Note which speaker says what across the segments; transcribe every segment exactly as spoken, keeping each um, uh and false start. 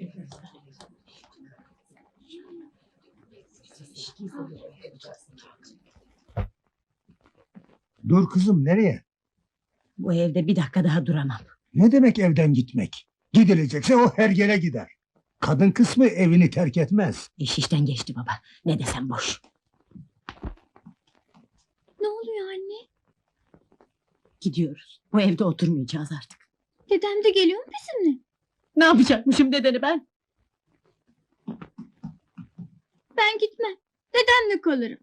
Speaker 1: Dur kızım, nereye?
Speaker 2: Bu evde bir dakika daha duramam.
Speaker 1: Ne demek evden gitmek? Gidilecekse o hergele gider. Kadın kısmı evini terk etmez.
Speaker 2: İş işten geçti baba. Ne desem boş.
Speaker 3: Ne oluyor anne?
Speaker 2: Gidiyoruz. Bu evde oturmayacağız artık.
Speaker 3: Dedem de geliyor mu bizimle?
Speaker 2: Ne yapacakmışım dedeni ben?
Speaker 3: Ben gitmem. Dedemle kalırım.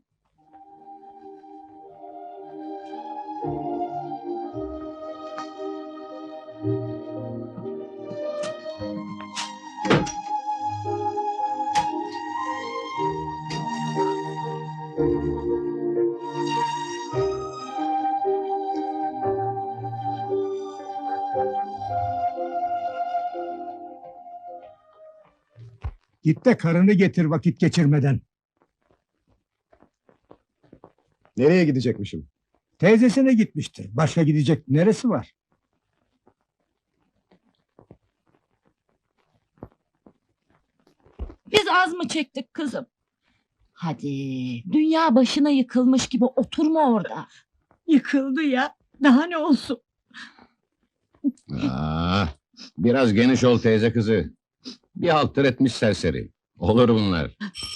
Speaker 1: Git de karını getir vakit geçirmeden.
Speaker 4: Nereye gidecekmişim?
Speaker 1: Teyzesine gitmiştir. Başka gidecek neresi var?
Speaker 2: Biz az mı çektik kızım? Hadi, dünya başına yıkılmış gibi oturma orada. Yıkıldı ya, daha ne olsun?
Speaker 5: Aa, biraz geniş ol teyze kızı. Bir haltır etmiş serseri. Olur bunlar.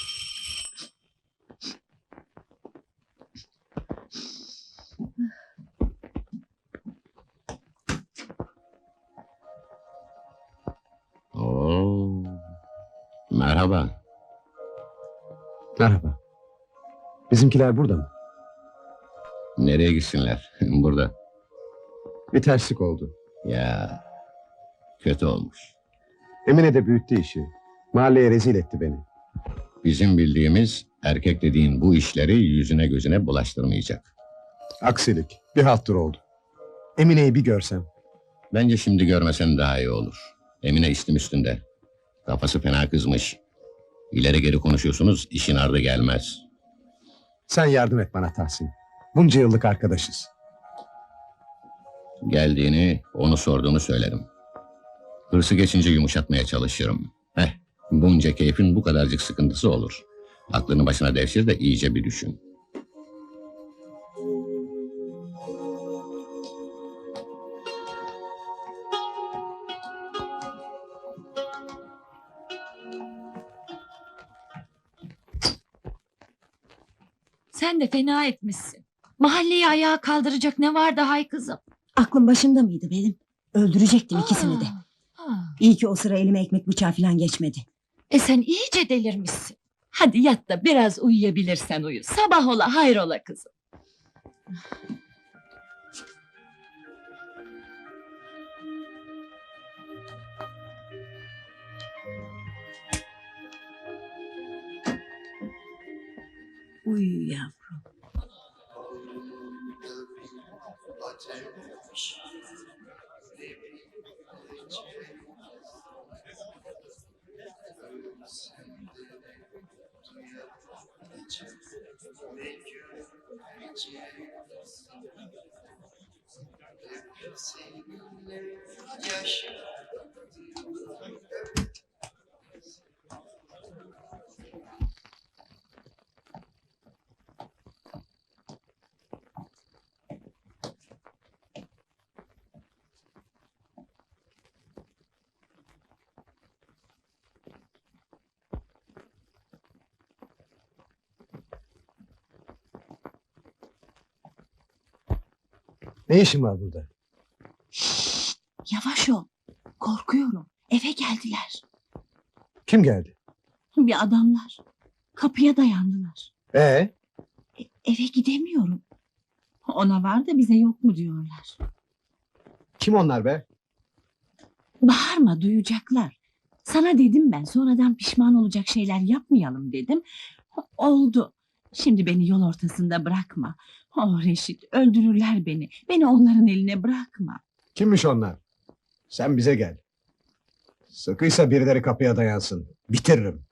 Speaker 5: Oo, merhaba.
Speaker 4: Merhaba. Bizimkiler burada mı?
Speaker 5: Nereye gitsinler? Burada.
Speaker 4: Bir terslik oldu.
Speaker 5: Ya, kötü olmuş.
Speaker 4: Emine de büyüttü işi. Mahalleye rezil etti beni.
Speaker 5: Bizim bildiğimiz erkek dediğin bu işleri yüzüne gözüne bulaştırmayacak.
Speaker 4: Aksilik. Bir halttır oldu. Emine'yi bir görsem.
Speaker 5: Bence şimdi görmesen daha iyi olur. Emine istim üstünde. Kafası fena kızmış. İleri geri konuşuyorsunuz, işin ardı gelmez.
Speaker 4: Sen yardım et bana Tahsin. Bunca yıllık arkadaşız.
Speaker 5: Geldiğini, onu sorduğunu söylerim. Hırsı geçince yumuşatmaya çalışırım. Heh, bunca keyfin bu kadarcık sıkıntısı olur. Aklını başına devşir de iyice bir düşün.
Speaker 2: Sen de fena etmişsin. Mahalleyi ayağa kaldıracak ne var daha hay kızım?
Speaker 6: Aklım başımda mıydı benim? Öldürecektim ikisini de.
Speaker 2: Aa,
Speaker 6: İyi ki o sıra elime ekmek bıçağı falan geçmedi.
Speaker 2: E sen iyice delirmişsin. Hadi yat da biraz uyuyabilirsen uyu. Sabah ola hayrola kızım.
Speaker 6: Uyu yavrum.
Speaker 4: Ne işin var burada?
Speaker 2: Yavaş ol. Korkuyorum. Eve geldiler.
Speaker 4: Kim geldi?
Speaker 2: Bir adamlar. Kapıya dayandılar.
Speaker 4: Ee,
Speaker 2: E, eve gidemiyorum. Ona var da bize yok mu diyorlar.
Speaker 4: kim onlar be?
Speaker 2: Bağırma, duyacaklar. Sana dedim ben, sonradan pişman olacak şeyler yapmayalım dedim. Oldu. Şimdi beni yol ortasında bırakma. Oh Reşit, öldürürler beni. Beni onların eline bırakma.
Speaker 4: Kimmiş onlar? Sen bize gel. Sıkıysa birileri kapıya dayansın. Bitiririm.